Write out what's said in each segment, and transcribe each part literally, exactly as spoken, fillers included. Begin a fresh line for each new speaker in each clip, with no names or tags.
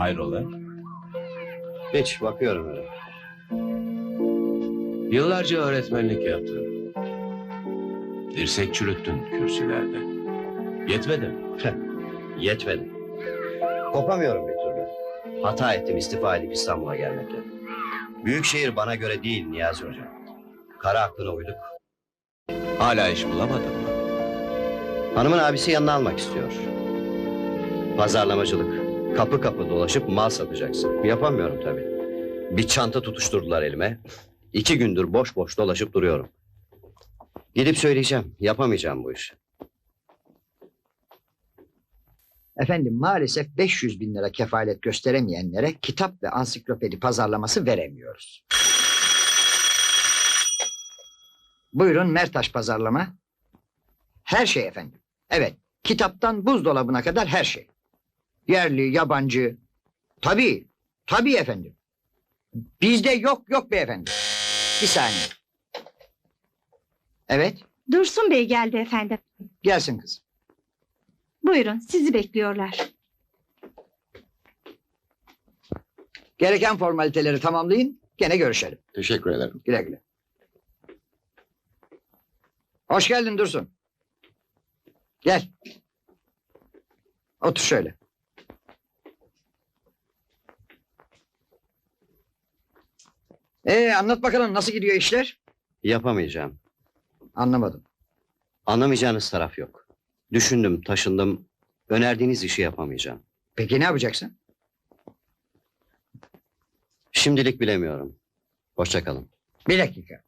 Hayrola?
Hiç, bakıyorum öyle.
Yıllarca öğretmenlik yaptın. Dirsek çürüttün kürsülerde. Yetmedi mi?
Yetmedi. Kopamıyorum bir türlü. Hata ettim istifa edip İstanbul'a gelmekle. Büyükşehir bana göre değil Niyazi Hoca. Kara aklına uyduk.
Hala iş bulamadın mı?
Hanımın abisi yanına almak istiyor. Pazarlamacılık. Kapı kapı dolaşıp mal satacaksın. Yapamıyorum tabii. Bir çanta tutuşturdular elime. İki gündür boş boş dolaşıp duruyorum. Gidip söyleyeceğim. Yapamayacağım bu işi.
Efendim maalesef beş yüz bin lira kefalet gösteremeyenlere kitap ve ansiklopedi pazarlaması veremiyoruz. Buyurun Mertaş pazarlama. Her şey efendim. Evet, kitaptan buzdolabına kadar her şey. Yerli, yabancı. Tabii, tabii efendim. Bizde yok yok beyefendi. Bir saniye. Evet,
Dursun Bey geldi efendim.
gelsin kız.
Buyurun, sizi bekliyorlar.
Gereken formaliteleri tamamlayın, gene görüşelim.
Teşekkür ederim.
Güle güle. Hoş geldin Dursun. Gel. Otur şöyle. Ee, anlat bakalım nasıl gidiyor işler?
Yapamayacağım.
Anlamadım.
Anlamayacağınız taraf yok. Düşündüm, taşındım. Önerdiğiniz işi yapamayacağım.
Peki ne yapacaksın?
Şimdilik bilemiyorum. Hoşça kalın.
Bir dakika.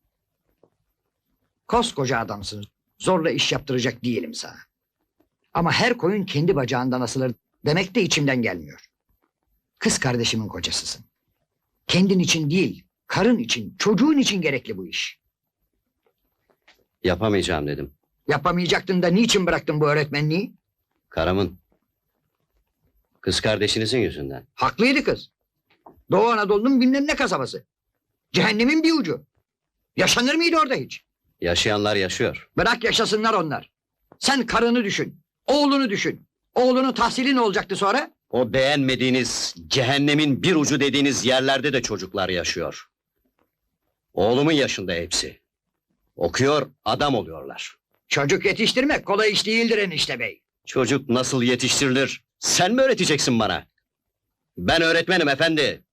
Koskoca adamsın. Zorla iş yaptıracak değilim sana. Ama her koyun kendi bacağından asılır demek de içimden gelmiyor. Kız kardeşimin kocasısın. Kendin için değil, karın için, çocuğun için gerekli bu iş.
Yapamayacağım dedim.
Yapamayacaktın da niçin bıraktın bu öğretmenliği?
Karımın. Kız kardeşinizin yüzünden.
Haklıydı kız. Doğu Anadolu'nun bilmem ne kasabası. Cehennemin bir ucu. Yaşanır mıydı orada hiç?
Yaşayanlar yaşıyor.
Bırak yaşasınlar onlar. Sen karını düşün. Oğlunu düşün. Oğlunun tahsili ne olacaktı sonra?
O beğenmediğiniz, cehennemin bir ucu dediğiniz yerlerde de çocuklar yaşıyor. Oğlumun yaşında hepsi. Okuyor, adam oluyorlar.
Çocuk yetiştirmek kolay iş değildir enişte bey.
Çocuk nasıl yetiştirilir? Sen mi öğreteceksin bana? Ben öğretmenim efendi.